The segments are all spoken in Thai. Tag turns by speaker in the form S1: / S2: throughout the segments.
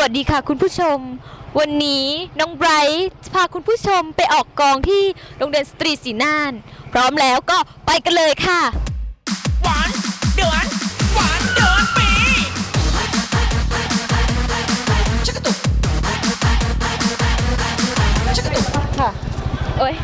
S1: วัสดีค่ะคุณผู้ชมวันนี้น้องไบรท์พาคุณผู้ชมไปออกกองที่โรงเรียนสตรีศรีน่านพร้อมแล้วก็ไปกันเลยค่ะ
S2: หวานเดือนหวานเดือนปีชักกระตุกชักกระตุก
S1: ค่ะโอ้ย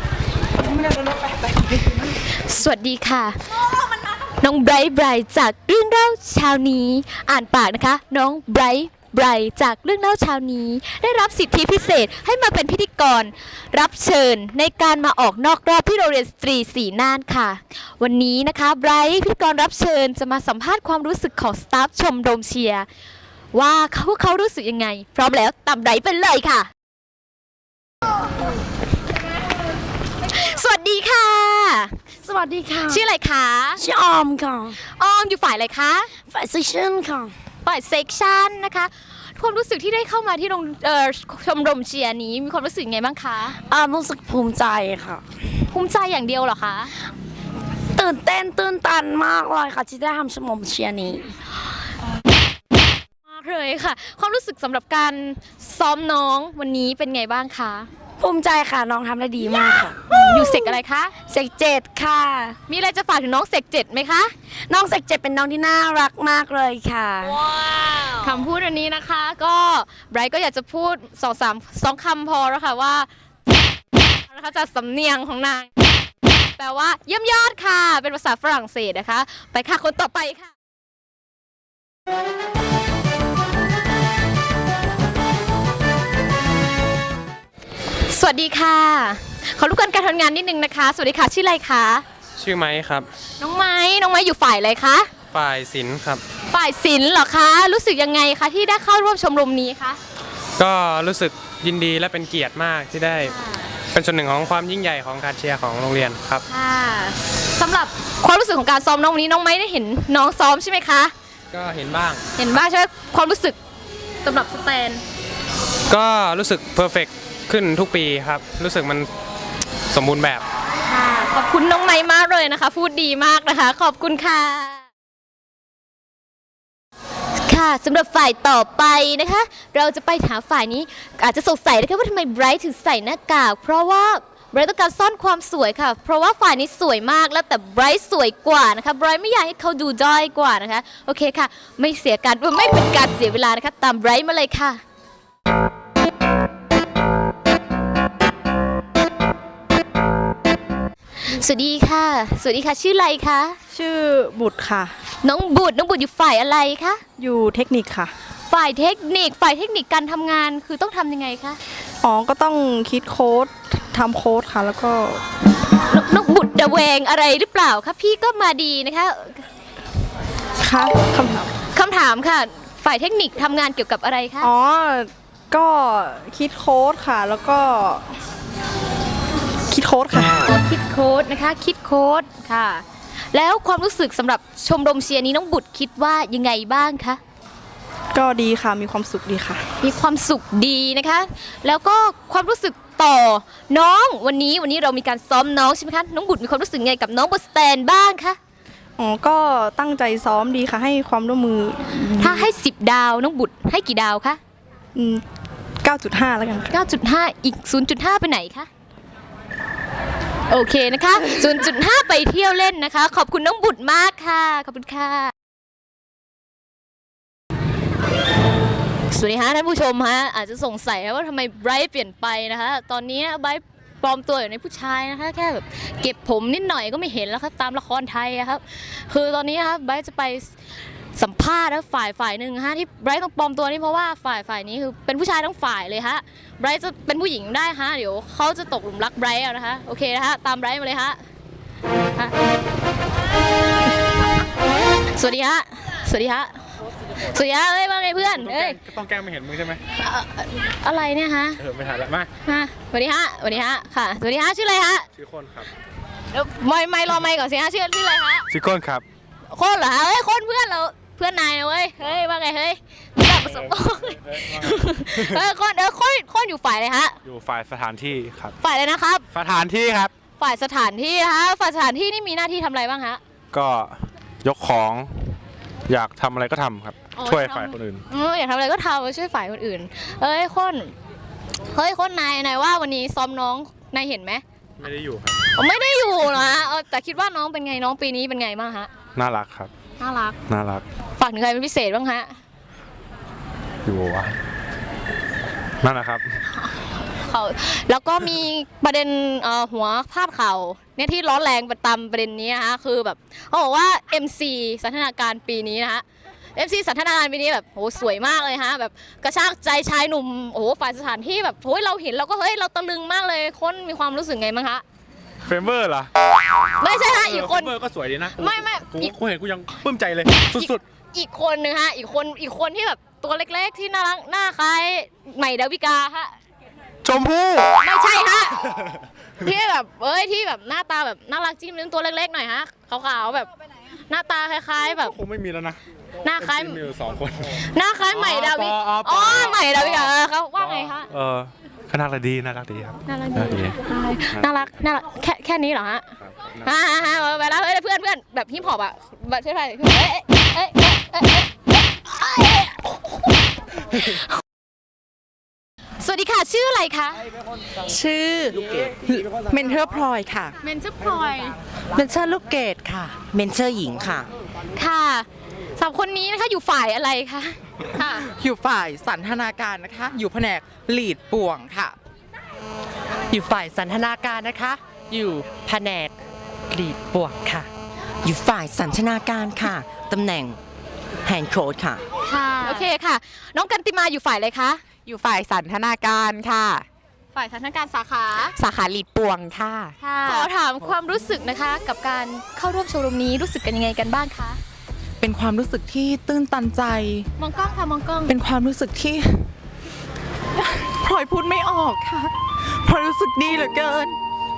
S1: สวัสดีค่ะน้องไบรท์จากเรื่องเล่าเช้านี้อ่านปากนะคะน้องไบรท์จากเรื่องเล่าเช้านี้ได้รับสิทธิพิเศษให้มาเป็นพิธีกรรับเชิญในการมาออกนอกรอบที่โรงเรียนสตรีศรีน่านค่ะวันนี้นะคะไบรท์พิธีกรรับเชิญจะมาสัมภาษณ์ความรู้สึกของสตาฟชมรมเชียร์ว่าเขารู้สึกยังไงพร้อมแล้วตามไบรท์ไปเลยค่ะสวัสดีค่ะ
S3: สวัสดีค่ะ
S1: ชื่ออะไรคะ
S3: ชื่อออมค่ะ
S1: ออมอยู่ฝ่ายอะไรคะ
S3: ฝ่ายเซสชั่นค่ะ
S1: ฝ่ายเซกชันนะคะความรู้สึกที่ได้เข้ามาที่ชมรมเชียร์นี้มีความรู้สึกยังไงบ้างคะ
S3: รู้สึกภูมิใจค่ะ
S1: ภูมิใจอย่างเดียวเหรอคะ
S3: ตื่นเต้นตื่นตันมากเลยค่ะที่ได้ทำชมรมเชียร์นี้
S1: มากเลยค่ะความรู้สึกสำหรับการซ้อมน้องวันนี้เป็นไงบ้างคะ
S3: ภูมิใจค่ะน้องทำได้ดีมากค่ะ
S1: อยู่เซกอะไรคะ
S3: เซกเจ็ดค่ะ
S1: มีอะไรจะฝากถึงน้องเซกเจ็ดไหมคะ
S3: น้องเซกเจ็ดเป็นน้องที่น่ารักมากเลยค่ะ
S1: คำพูดอันนี้นะคะก็ไบรท์ก็อยากจะพูด2 คำพอแล้วค่ะว่านะคะจากสำเนียงของนางแปลว่าเยี่ยมยอดค่ะเป็นภาษาฝรั่งเศสนะคะไปค่ะคนต่อไปค่ะสวัสดีค่ะขอรู้กันการทำงานนิดนึงนะคะสวัสดีค่ะชื่ออะไรคะ
S4: ชื่อไม้ครับ
S1: น้องไม้อยู่ฝ่ายอะไรคะ
S4: ฝ่ายศิลป์ครับ
S1: ฝ่ายศิลป์เหรอคะรู้สึกยังไงคะที่ได้เข้าร่วมชมรมนี้คะ
S4: ก็รู้สึกยินดีและเป็นเกียรติมากที่ได้เป็นส่วนหนึ่งของความยิ่งใหญ่ของการเชียร์ของโรงเรียนครับ
S1: ค่ะสำหรับความรู้สึกของการซ้อมน้องวันนี้น้องไม้ได้เห็นน้องซ้อมใช่ไหมคะ
S4: ก็เห็นบ้าง
S1: ใช่ไหมความรู้สึกสำหรับสแตน
S4: ก็รู้สึกเพอร์เฟกต์ขึ้นทุกปีครับรู้สึกมันสมบูรณ์แบบ
S1: ขอบคุณน้องไม้มากเลยนะคะพูดดีมากนะคะขอบคุณค่ะค่ะสำหรับฝ่ายต่อไปนะคะเราจะไปหาฝ่ายนี้อาจจะสงสัยนะคะว่าทำไมไบรท์ถึงใส่หน้ากากเพราะว่าไบรท์ต้องการซ่อนความสวยค่ะเพราะว่าฝ่ายนี้สวยมากแล้วแต่ไบรท์สวยกว่านะคะไบรท์ไม่อยากให้เขาดูด้อยกว่านะคะโอเคค่ะไม่เป็นการเสียเวลานะคะตามไบรท์มาเลยค่ะสวัสดีค่ะชื่ออะไรคะ
S5: ชื่อบุตรค่ะ
S1: น้องบุตรอยู่ฝ่ายอะไรคะ
S5: อยู่เทคนิคค่ะ
S1: ฝ่ายเทคนิคการทำงานคือต้องทำยังไงคะ
S5: ก็ต้องคิดโค้ดทำโค้ดค่ะแล้วก็
S1: น้องบุตรระแวงอะไรหรือเปล่าคะพี่ก็มาดีนะคะ
S5: ค่ะ
S1: คำถามค่ะฝ่ายเทคนิคทำงานเกี่ยวกับอะไรคะ
S5: ก็คิดโค้ดค่ะแล้วก็คิดโค้ดค่ะ
S1: คิดโค้ดนะคะคิดโค้ดค่ะแล้วความรู้สึกสำหรับชมรมเชียร์นี้น้องบุตรคิดว่ายังไงบ้างคะ
S5: ก็ดีค่ะมีความสุขดีค่ะ
S1: มีความสุขดีนะคะแล้วก็ความรู้สึกต่อน้องวันนี้เรามีการซ้อมน้องใช่ไหมคะน้องบุตรมีความรู้สึกไงกับน้องบนสแตนบ้างคะ
S5: ก็ตั้งใจซ้อมดีค่ะให้ความร่วมมือ
S1: ถ้าให้10 ดาวน้องบุตรให้กี่ดาวคะ
S5: 9.5แล้วกัน
S1: 9.5อีก 0.5 ไปไหนคะโอเคนะคะ 0.5 ไปเที่ยวเล่นนะคะขอบคุณน้องบุตรมากค่ะขอบคุณค่ะสวัสดีค่ะท่านผู้ชมฮะอาจจะสงสัยว่าทำไมไบรท์เปลี่ยนไปนะคะตอนนี้ไบรท์ปลอมตัวอยู่ในผู้ชายนะคะแค่แบบเก็บผมนิดหน่อยก็ไม่เห็นแล้วครับตามละครไทยครับคือตอนนี้ครับไบรท์จะไปสัมภาษณ์แล้วฝ่ายหนึ่งฮะที่ไบรท์ต้องปลอมตัวนี่เพราะว่าฝ่ายนี้คือเป็นผู้ชายทั้งฝ่ายเลยฮะไบรท์จะเป็นผู้หญิงได้ฮะเดี๋ยวเขาจะตกหลุมรักไบรท์เอานะคะโอเคนะคะตามไบรท์มาเลยฮะสวัสดีฮะเอ้ยว่าไงเพื่อนเอ้ย
S4: ต้องแกล้งไม่เห็นมึงใช่ไหม
S1: อะไรเนี่ยฮะ
S4: ไม่ถ่ายแล้วมา
S1: สวัสดีฮะค่ะสวัสดีฮะชื่ออะไรฮะ
S4: ชื่อคนครับ
S1: ไม่รอไม่ก่อนสิฮะชื่ออะไรฮะ
S4: ชื่อคนครับ
S1: คนเหรอเฮ้ยคนเพื่อนเราเพื่อนนายนะเว้ยเฮ้ยว่าไงเฮ้ยจับประสบคนอยู่ฝ่ายอะไรฮะ
S4: อยู่ฝ่ายสถานที่ครับ
S1: ฝ่ายอะไรนะครับ
S4: สถานที่ครับ
S1: ฝ่ายสถานที่ฮะฝ่ายสถานที่นี่มีหน้าที่ทำอะไรบ้างฮะ
S4: ก็ยกของ
S6: อยากทำอะไรก็ทำครับ
S1: อ๋อ
S6: ช่วยฝ่ายคนอื่น
S1: อยากทำอะไรก็ทำช่วยฝ่ายคนอื่นเอ้ยคนนายว่าวันนี้ซ้อมน้องนายเห็นไหม
S6: ไม่ได้อยู่ครับ
S1: ไม่ได้อยู่นะแต่คิดว่าน้องเป็นไงน้องปีนี้เป็นไงบ้างฮะ
S6: น่ารักครับ
S1: น่ารัก
S6: น่ารัก
S1: ฝากถึงใครเป็นพิเศษบ้างฮะ
S6: อยู่วะนั่นแหละครับ
S1: เขาแล้วก็มีประเด็นหัวพาดข่าวเนี่ยที่ร้อนแรงตามประเด็นนี้นะคะคือแบบเขาบอกว่า MC สันทนาการปีนี้นะฮะ MC สันทนาการปีนี้แบบโหสวยมากเลยฮะแบบกระชากใจชายหนุ่มโอ้โหฝ่ายสถานที่แบบโหเราเห็นเราก็เฮ้ยเราตะลึงมากเลยคนมีความรู้สึกไงบ้างคะ
S6: เฟมเบอร์เหรอ
S1: ไม่ใช่ฮะอีกคน
S6: เฟมเบอร์ก็สวยดีนะ
S1: ไม่
S6: กูเห็นกูยังปลื้มใจเลยสุด
S1: อีกคนนึงฮะอีกคนที่แบบตัวเล็กๆที่น่ารักหน้าคล้ายใหม่ดาวิกาฮะ
S6: ๆชมพู่
S1: ไม่ใช่ฮะ ที่แบบที่แบบหน้าตาแบบน่ารักจิ้มลิ้มตัวเล็กๆหน่อยฮะขาวๆแบบหน้าตาคล้ายๆแบบ
S6: คงไม่มีแล้วนะ
S1: หน้าคล้าย
S6: มีอยู่2 คน
S1: หน้าคล้ายใหม่ดาวิ
S6: อ๋อ
S1: ใหม่ดาวิกาเขาว่าไงคะ
S6: ก็น่ารักดีน่ารักดีครับ
S1: น่ารัก
S6: น่ารักดี
S1: น่ารักแค่นี้เหรอฮะไปแล้วเพื่อนแบบฮิปฮอปอ่ะแบบใช่ไหมสวัสดีค่ะชื่ออะไรคะ
S5: ชื่อเมนเทอร์พลอยค่ะ
S1: เมนชื่อพลอย
S5: เมนเทอร์ลูกเกดค่ะ
S3: เมนเชอร์หญิงค่ะ
S1: ค่ะสามคนนี้นะคะอยู่ฝ่ายอะไรคะค่ะ
S5: อยู่ฝ่ายสันทนาการนะคะ อยู่แผนกลีดป่วงค่ะ
S7: อยู่ฝ่ายสันทนาการนะคะ อยู่แผนกกรีดปวกค่ะ
S3: อยู่ฝ่ายสันทนาการค่ะ ตำแหน่งแฮนด์โค้ดค่ะ
S1: ค่ะโอเคค่ะ น้องกันติมาอยู่ฝ่ายอะไรคะ
S5: อยู่ฝ่ายสันทนาการค่ะ
S1: ฝ่ายสถานการณ์สาขา
S5: สาขาลีดป่วงค่ะ
S1: ขอถามความรู้สึกนะคะ กับการเข้าร่วมโชว์รูมนี้รู้สึกกันยังไงกันบ้างคะ
S5: เป็นความรู้สึกที่ตื้นตันใจ
S1: มองกล้องค่ะมองกล้อง
S5: เป็นความรู้สึกที่ พลอยพูดไม่ออกค่ะพลอยรู้สึกดีเหลือเกิน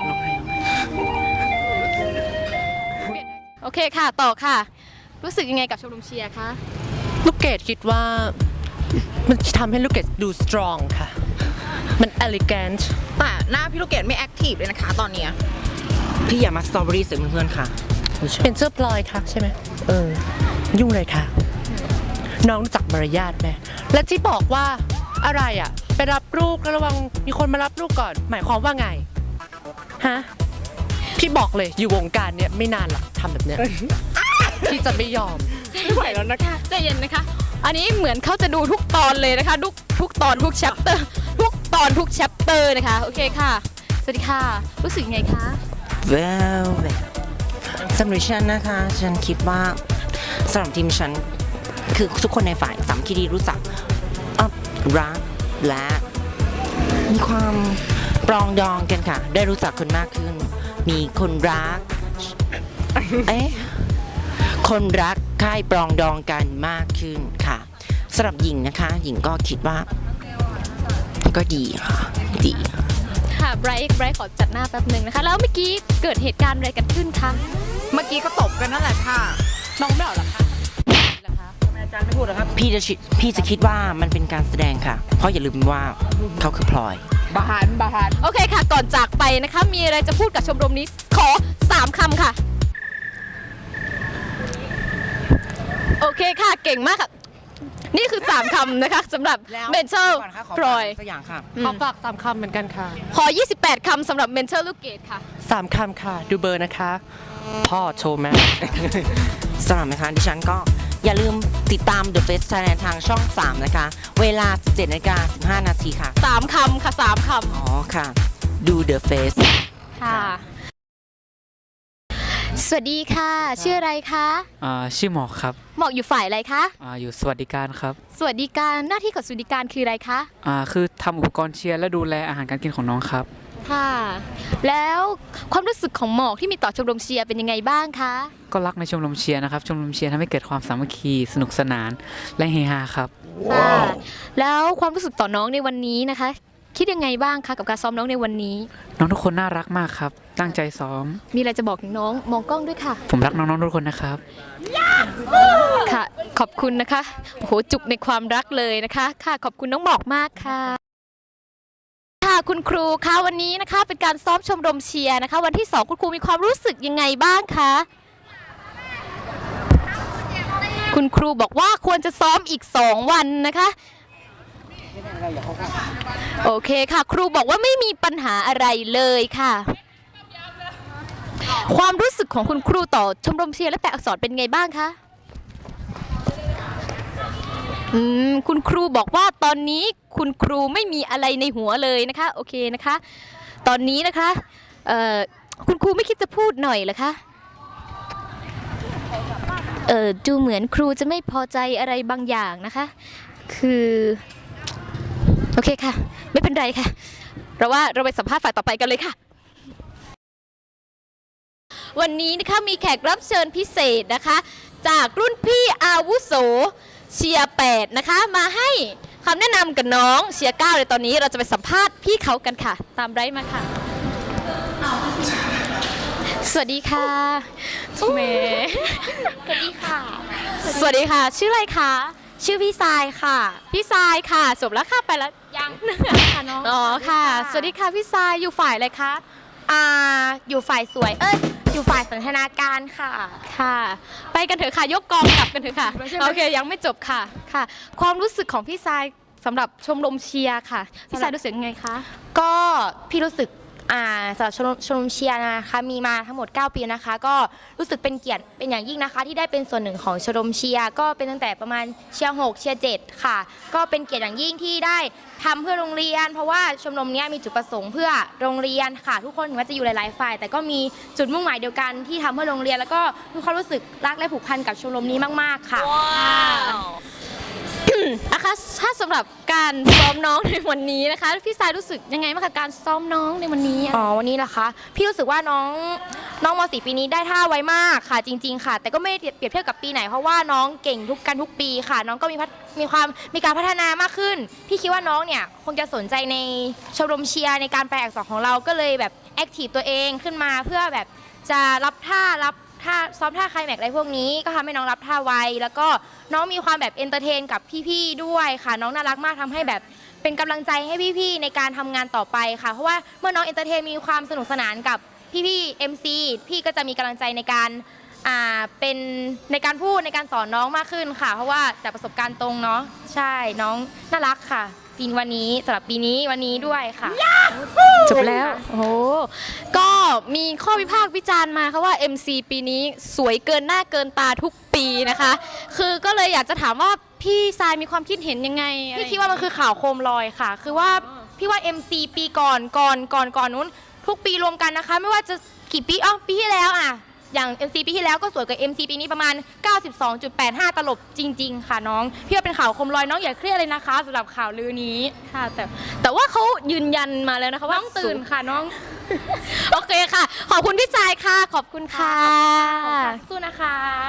S1: โอเคค่ะต่อค่ะ รู้สึกยังไงกับโชว์รูมเชียร์คะ
S7: ลูกเกดคิดว่ามันจะทำให้ลูกเกดดูสตรองค่ะ มัน elegant
S5: แต่หน้าพี่ลูกเกดไม่แอคทีฟเลยนะคะตอนเนี้ย
S3: พี่อย่ามาสตรอเบอรี่ใส่เพื่อนๆค่ะ
S7: เป็นเสื้อพลอยค่ะใช่ไหมยุ่งเลยค่ะ น้องรู้จักมารยาทไหมและที่บอกว่าอะไรอ่ะ ไปรับลูกแล้วระวังมีคนมารับลูกก่อน หมายความว่าไง ฮะ พี่บอกเลยอยู่วงการเนี้ยไม่นานหรอกทำแบบเนี้ย พี่จะไม่ยอม
S1: ไม่ไหวแล้วนะคะใจเย็นนะคะ อันนี้เหมือนเขาจะดูทุกตอนเลยนะคะทุกตอนทุกแชปเตอร์ทุกตอนทุกแชปเตอร์นะคะโอเคค่ะสวัสดีค่ะรู้สึกยังไงคะ
S3: well สำหรับฉันนะคะ ฉันคิดว่าสำหรับทีมฉันคือทุกคนในฝ่ายสามัคคีดีรู้จักรักและมีความปรองดองกันค่ะ ได้รู้จักคนมากขึ้น มีคนรัก คนรักใคร่ปรองดองกันมากขึ้นค่ะสำหรับหญิงนะคะ หญิงก็คิดว่าก็ดีค่ะดีค่ะ
S1: ค่ะไบรท์ขอจัดหน้าแป๊บหนึ่งนะคะ แล้วเมื่อกี้เกิดเหตุการณ์อะไรกันขึ้นคะ
S5: เมื่อกี้ก็ตบกันนั่นแหละค่ะ
S7: น้องไม่เอาหรอคะ
S3: พี่จะคิดว่ามันเป็นการแสดงค่ะ เพราะอย่าลืมว่าเขาคือพลอย
S5: บาน
S1: โอเคค่ะ ก่อนจากไปนะคะ มีอะไรจะพูดกับชมรมนี้ขอ3 คำค่ะ โอเคค่ะ เก่งมากค่ะ นี่คือ 3 คำนะคะสำหรับเมนเทอร์พลอย
S3: สักอย่างค่ะ
S7: ขอฝาก3คำเหมือนกันค่ะ
S1: ขอ 28 คำสำหรับเมนเทอร์ลูกเกดค่ะ
S7: 3คำค่ะ ดูเบอร์นะคะ พ่อโชว์แม่
S3: สำหรับนะคะดิฉันก็อย่าลืมติดตาม The Face Thailand ทางช่อง 3 นะคะ เวลา 17:15 นาทีค่ะ
S1: 3 คำค่ะ 3 ค
S3: อ๋อค่ะ ดู The Face
S1: ำค่ะ สวัสดีค่ะ ชื่ออะไรคะ
S8: ชื่อหมอกครับ
S1: หมอกอยู่ฝ่ายอะไรคะ
S8: อยู่สวัสดิการครับ
S1: สวัสดิการหน้าที่ของสวัสดิการคืออะไรคะ
S8: คือทำอุปกรณ์เชียร์และดูแลอาหารการกินของน้องครับ
S1: ค่ะ แล้วความรู้สึกของหมอกที่มีต่อชมรมเชียร์เป็นยังไงบ้างคะ
S8: ก็รักในชมรมเชียร์นะครับ ชมรมเชียร์ทำให้เกิดความสามัคคีสนุกสนานและเฮฮาครับ
S1: ค่ะ แล้วความรู้สึกต่อน้องในวันนี้นะคะ คิดยังไงบ้างคะกับการซ้อมน้องในวันนี้
S8: น้องทุกคนน่ารักมากครับ ตั้งใจซ้อม
S1: มีอะไรจะบอกถึงน้องมองกล้องด้วยค่ะ
S8: ผมรักน้องๆทุกคนนะครับ
S1: ค่ะ ขอบคุณนะคะ โอ้โห จุกในความรักเลยนะคะ ค่ะ ขอบคุณน้องหมอกมากค่ะ ค่ะ คุณครูคะวันนี้นะคะ เป็นการซ้อมชมรมเชียร์นะคะ วันที่ 2 คุณครูมีความรู้สึกยังไงบ้างคะคุณครูบอกว่าควรจะซ้อมอีก 2 วันนะคะโอเคค่ะ ครูบอกว่าไม่มีปัญหาอะไรเลยค่ะ ความรู้สึกของคุณครูต่อชมรมเชียร์และแปลอักษรเป็นไงบ้างคะคุณครูบอกว่าตอนนี้คุณครูไม่มีอะไรในหัวเลยนะคะโอเคนะคะ ตอนนี้นะคะคุณครูไม่คิดจะพูดหน่อยเหรอคะดูเหมือนครูจะไม่พอใจอะไรบางอย่างนะคะคือโอเคค่ะไม่เป็นไรค่ะเราว่าเราไปสัมภาษณ์ฝ่ายต่อไปกันเลยค่ะวันนี้นะคะมีแขกรับเชิญพิเศษนะคะจากรุ่นพี่อาวุโสเชียร์8นะคะมาให้คำแนะนำกับน้องเชียร์9เลยตอนนี้เราจะไปสัมภาษณ์พี่เขากันค่ะตามไร้มาค่ะสวัสดีค่ะเมสวัสดีค่ะสวัสดีค่ะชื่ออะไรคะชื่อพี่ทรายค่ะพี่ทรายค่ะจบแล้วค่ะไปแล้วยังค่ะน้องอ๋อค่ะสวัสดีค่ะพี่ทรายอยู่ฝ่ายอะไรคะ
S9: อยู่ฝ่ายสวยอยู่ฝ่ายสันทนาการค่ะ
S1: ค่ะไปกันเถอะค่ะยกกองกลับกันเถอะค่ะโอเคยังไม่จบค่ะค่ะความรู้สึกของพี่ทรายสำหรับชมรมเชียร์ค่ะพี่ทรายรู้สึกยังไงคะ
S9: ก็พี่รู้สึกสำหรับชมรมเชียร์นะคะมีมาทั้งหมด9 ปีนะคะก็รู้สึกเป็นเกียรติเป็นอย่างยิ่งนะคะที่ได้เป็นส่วนหนึ่งของชมรมเชียร์ก็เป็นตั้งแต่ประมาณเชียร์6เชียร์7ค่ะก็เป็นเกียรติอย่างยิ่งที่ได้ทำเพื่อโรงเรียนเพราะว่าชมรมนี้มีจุดประสงค์เพื่อโรงเรียนค่ะทุกคนถึงแม้จะอยู่หลายๆฝ่ายแต่ก็มีจุดมุ่งหมายเดียวกันที่ทำเพื่อโรงเรียนแล้วก็มีความรู้สึกรักและผูกพันกับชมรมนี้มากๆค่ะ
S1: นะคะถ้าสำหรับการซ้อมน้องในวันนี้นะคะพี่ทรายรู้สึกยังไงบ้างคะการซ้อมน้องในวันนี้
S9: วันนี้นะคะพี่รู้สึกว่าน้องม.4 ปีนี้ได้ท่าไวมากค่ะจริงๆค่ะแต่ก็ไม่ได้เปรียบเทียบกับปีไหนเพราะว่าน้องเก่งทุกปีค่ะน้องก็มีการพัฒนามากขึ้นพี่คิดว่าน้องเนี่ยคงจะสนใจในชมรมเชียร์ในการแปลอักษรของเราก็เลยแบบแอคทีฟตัวเองขึ้นมาเพื่อแบบจะรับท่าซ้อมท่าไคลแม็กซ์อะไรพวกนี้ก็ทำให้น้องรับท่าไวแล้วก็น้องมีความแบบเอนเตอร์เทนกับพี่ๆด้วยค่ะน้องน่ารักมากทำให้แบบเป็นกำลังใจให้พี่ๆในการทำงานต่อไปค่ะเพราะว่าเมื่อน้องเอนเตอร์เทนมีความสนุกสนานกับพี่ๆ MC พี่ก็จะมีกำลังใจในการเป็นในการพูดในการสอนน้องมากขึ้นค่ะเพราะว่าจากประสบการณ์ตรงเนาะใช่น้องน่ารักค่ะปีวันนี้สำหรับปีนี้วันนี้ด้วยค่ะ
S1: จบแล้วโอ้ก็มีข้อวิพากษ์วิจารณ์มาค่ะว่า MC ปีนี้สวยเกินหน้าเกินตาทุกปีนะคะคือก็เลยอยากจะถามว่าพี่ทรายมีความคิดเห็นยังไง
S9: พี่คิดว่ามันคือข่าวโคมลอยค่ะคือว่าพี่ว่า MC ปีก่อนนู้นทุกปีรวมกันนะคะไม่ว่าจะกี่ปีปีที่แล้วอย่าง MC ปีที่แล้วก็สวยกว่า MC ปีนี้ประมาณ 92.85 ตลบจริงๆค่ะน้องพี่ว่าเป็นข่าวโคมลอยน้องอย่าเครียดเลยนะคะสำหรับข่าวลือนี้
S1: ค่ะแต่ว่าเขายืนยันมาแล้วนะคะว่า
S9: น้องตื่นค่ะน้อง
S1: โอเคค่ะขอบคุณพี่ทรายค่ะขอบคุณค่ะ
S9: สู้นะคะ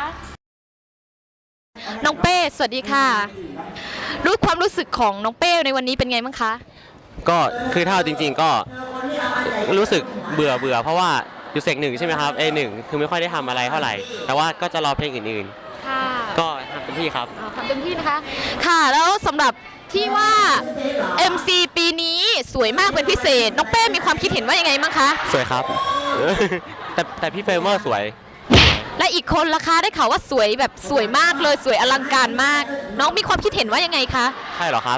S1: น้องเป้สวัสดีค่ะรู้ความรู้สึกของน้องเป้ในวันนี้เป็นไงบ้างคะ
S10: ก็คือถ้าจริงๆก็รู้สึกเบื่อเพราะว่าอยู่เซก1ใช่ไหมครับA1คือไม่ค่อยได้ทำอะไรเท่าไหร่แต่ว่าก็จะรอเพลงอื่นๆก็ทำเต็มที่ครับ
S1: ทำเต็มที่นะคะค่ะแล้วสำหรับที่ว่า MC ปีนี้สวยมากเป็นพิเศษน้องเป้มีความคิดเห็นว่ายังไงบ้างคะ
S10: สวยครับแต่พี่เฟรมเมอร์สวย
S1: และอีกคนล่ะคะได้ข่าวว่าสวยแบบสวยมากเลยสวยอลังการมากน้องมีความคิดเห็นว่ายังไงคะ
S10: ใช่เหรอครับ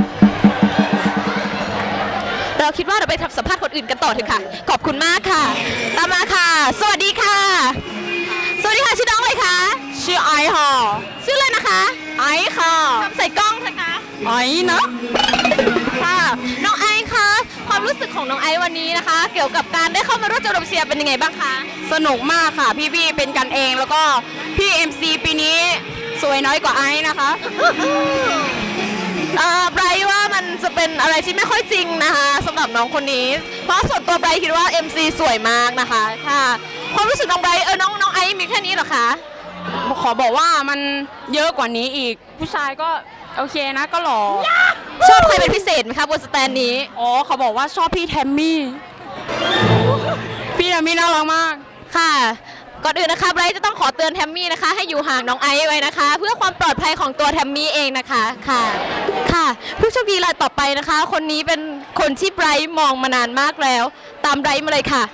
S1: เราคิดว่าเราไปสัมภาษณ์คนอื่นกันต่อเถอะค่ะขอบคุณมากค่ะตามมาค่ะสวัสดีค่ะสวัสดีค่ะชื่อน้องอะไรคะ
S5: ชื่อไอค่ะ
S1: ชื่ออะไรนะคะ
S5: ไอค่ะ
S1: ทำใส่กล้องนะคะ
S5: ไอนะ
S1: ค่ะน้องไอคะความรู้สึกของน้องไอวันนี้นะคะเกี่ยวกับการได้เข้ามาร่วมชมรมเชียร์เป็นยังไงบ้างคะ
S5: สนุกมากค่ะพี่ๆเป็นกันเองแล้วก็พี่ MC ปีนี้สวยน้อยกว่าไอนะคะ
S1: ไบรท์ว่ามันจะเป็นอะไรที่ไม่ค่อยจริงนะคะสำหรับน้องคนนี้เพราะส่วนตัวไบรท์คิดว่า MC สวยมากนะคะค่ะความรู้สึกน้องไบรท์น้องไอซ์มีแค่นี้เหรอคะ
S5: ขอบอกว่ามันเยอะกว่านี้อีกผู้ชายก็โอเคนะก็หล่อ
S1: ชอบใครเป็นพิเศษไหมคะบนสแตนนี้
S5: เขาบอกว่าชอบพี่แทมมี่น่ารักมาก
S1: ค่ะก่อนอื่นนะคะไบรท์จะต้องขอเตือนแทมมี่นะคะให้อยู่ห่างน้องไอซ์ไว้นะคะเพื่อความปลอดภัยของตัวแทมมี่เองนะคะค่ะผู้โชคดีรายต่อไปนะคะคนนี้เป็นคนที่ไบรท์มองมานานมากแล้วตามไบรท์มาเลยค่ะ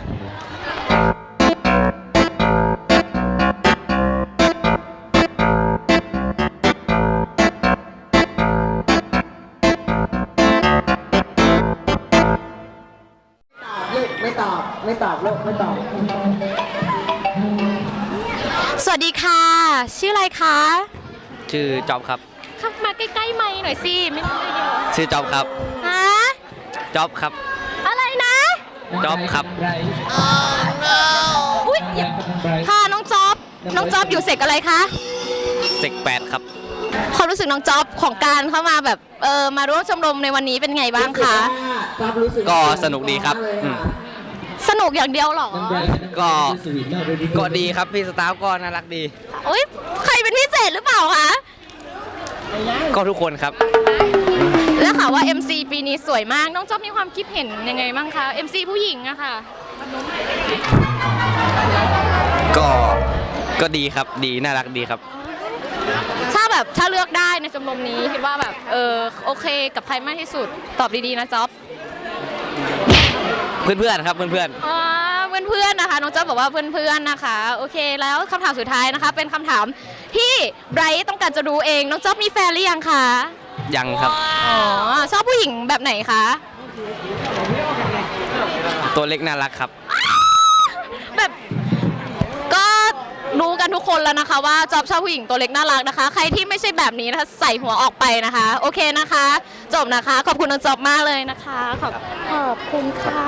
S1: สวัสดีค่ะ ชื่ออะไรคะ
S10: ชื่อจอบครับ
S1: เข้ามาใกล้ๆไมค์หน่อยสิไม่ต้องเยอะ
S10: ชื่อจอบครับ
S1: ฮะ
S10: จอบครับ
S1: อะไรนะ
S10: จอบครับ
S1: อุ้ยค่ะน้องจ๊อบอยู่เสกอะไรคะ
S10: เซก8ครับ
S1: ความรู้สึกน้องจ๊อบของการเข้ามาแบบมาร่วมชมรมในวันนี้เป็นไงบ้างคะ
S10: ก็สนุกดีครับอืม
S1: สนุกอย่างเดียวเหรอ
S10: ก็ดีครับพี่สตาฟก็น่ารักดี
S1: อุ้ยใครเป็นพิเศษหรือเปล่าคะ
S10: ก็ทุกคนครับ
S1: แล้วค่ะว่า MC ปีนี้สวยมากน้องจ๊อบมีความคิดเห็นยังไงบ้างคะ MC ผู้หญิงอะค่ะ
S10: ก็ดีครับดีน่ารักดีครับ
S1: ถ้าเลือกได้ในชมรมนี้คิดว่าแบบโอเคกับใครมากที่สุดตอบดีๆนะจ๊อบ
S10: เพื่อนๆครับเพื่อน
S1: อ๋อเพื่อนๆนะคะน้องจ๊อบบอกว่าเพื่อนๆนะคะโอเคแล้วคำถามสุดท้ายนะคะเป็นคำถามที่ไบรท์ต้องการจะรู้เองน้องจ๊อบมีแฟนหรือยังคะ
S10: ๆยังครับ
S1: อ๋อชอบผู้หญิงแบบไหนคะ
S10: ตัวเล็กน่ารักครับ
S1: แบบก็รู้กันทุกคนแล้วนะคะว่าจ๊อบชอบผู้หญิงตัวเล็กน่ารักนะคะ ใครที่ไม่ใช่แบบนี้นะคะใส่หัวออกไปนะคะโอเคนะคะจบนะคะขอบคุณน้องจ๊อบมากเลยนะคะขอบคุณค่ะ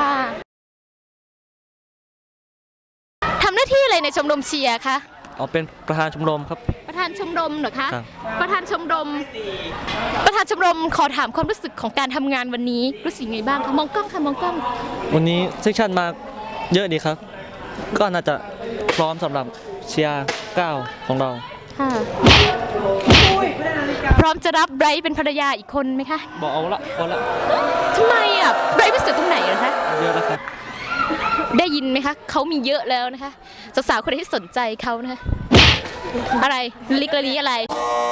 S1: ทำหน้าที่อะไรในชมรมเชียร์คะ
S6: อ๋อเป็นประธานชมรมครับ
S1: ประธานชมรมเหรอคะ
S6: ครับ
S1: ประธานชมรมขอถามความรู้สึกของการทำงานวันนี้รู้สึกยังไงบ้างคะมองกล้องค่ะมองกล้อง
S6: วันนี้เซสชั่นมาเยอะดีครับ ก็น่าจะพร้อมสำหรับเชียร์9ของเรา
S1: ค่ะพร้อมจะรับไบรท์เป็นภรรยาอีกคนไหมคะ
S6: บอกเอาละ
S1: ทำไมอ่ะไบรท์ไม่สวยตรงไหนเหรอคะ
S6: เยอะแล้วครับ
S1: ได้ยินไหมคะเขามีเยอะแล้วนะคะสาวๆคนไหนที่สนใจเขานะคะอะไรลิกละลีอะไร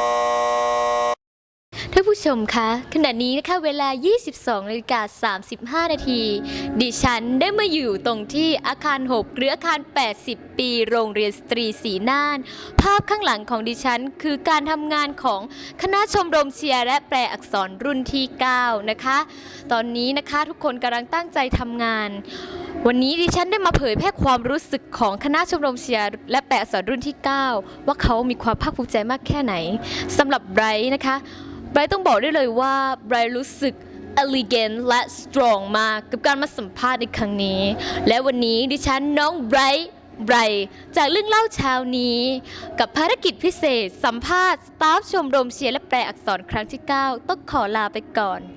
S1: ท่านผู้ชมคะขณะนี้นะคะเวลา 22:35 นาทีดิฉันได้มาอยู่ตรงที่อาคาร 6 หรืออาคาร 80 ปีโรงเรียนสตรีศรีน่านภาพข้างหลังของดิฉันคือการทำงานของคณะชมรมเชียร์และแปลอักษรรุ่นที่ 9 นะคะตอนนี้นะคะทุกคนกำลังตั้งใจทำงานวันนี้ดิฉันได้มาเผยแพร่ความรู้สึกของคณะชมรมเชียร์และแปลอักษรรุ่นที่ 9 ว่าเขามีความภาคภูมิใจมากแค่ไหนสำหรับไบรท์นะคะไบรท์ต้องบอกได้เลยว่าไบรท์รู้สึก elegant และ strong มากกับการมาสัมภาษณ์ในครั้งนี้และวันนี้ดิฉันน้องไบรท์จากเรื่องเล่าเช้านี้กับภารกิจพิเศษสัมภาษณ์สตาฟชมรมเชียร์และแปลอักษรครั้งที่ 9 ต้องขอลาไปก่อน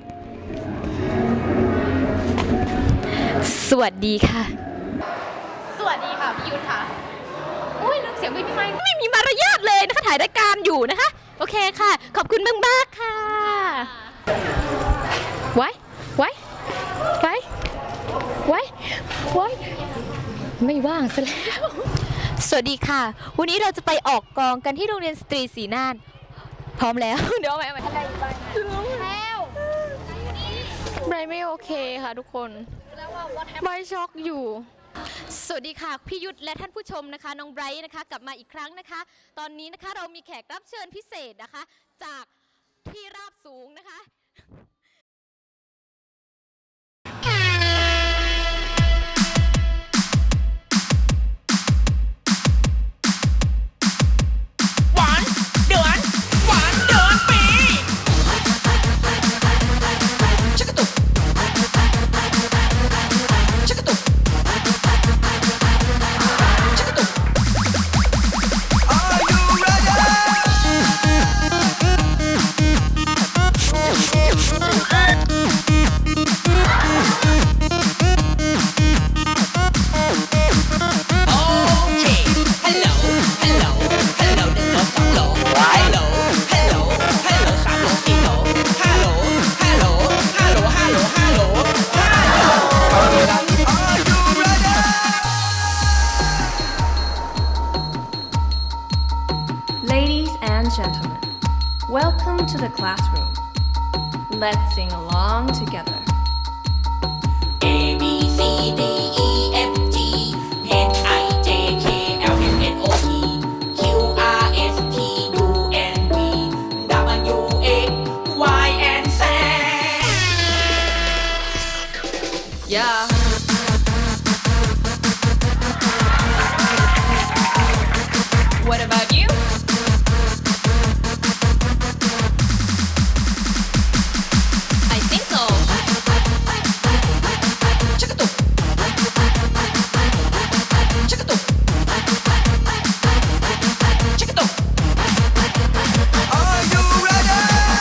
S1: สวัสดีค่ะสวัสดีค่ะพี่ยุทธค่ะอุ้ยลืมเสียงไม่มีมารยาทเลยนะคะถ่ายรายการอยู่นะคะโอเคค่ะขอบคุณมากๆค่ะไว้ไม่ว่างซะแล้วสวัสดีค่ะวันนี้เราจะไปออกกองกันที่โรงเรียนสตรีศรีน่านพร้อมแล้ว เดี๋ยวเอาใหม่แล้วไบรท์ไม่โอเคค่ะทุกคนไบรท์ช็อกอยู่สวัสดีค่ะพี่ยุทธและท่านผู้ชมนะคะน้องไบรท์นะคะกลับมาอีกครั้งนะคะตอนนี้นะคะเรามีแขกรับเชิญพิเศษนะคะจากที่ราบสูงนะคะ
S2: หวานเดือนหวานเดือนปีชักกระตุกชักกระตุกชักกระตุก Are you ready? Okay. Hello, hello, hello 1 2 3โหล Hello, hello, hello 3โหล4โหล Hello, hello, hello, hello, hello, hello. Are you ready?
S11: Ladies and gentlemen, welcome to the classroom. Let's sing along together.
S2: A B C D E F G H I J K L M N O P Q R S T U N V W X Y and Z.
S11: Yeah. What about you? I think so. Chicka-doo. Chicka-doo. Chicka-doo.
S2: Are you ready?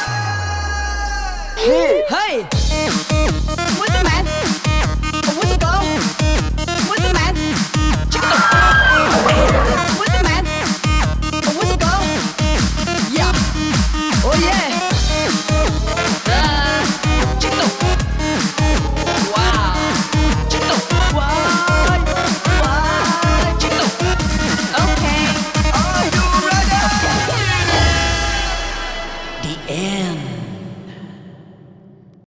S11: Hey! What's the man? What's the girl? What's the man? Chicka-doo. What's the man? What's the girl? Yeah. Oh yeah. Chicka-doo. Wow. Chicka-doo. Why? Chicka-doo. Okay.
S2: Are you ready? The end.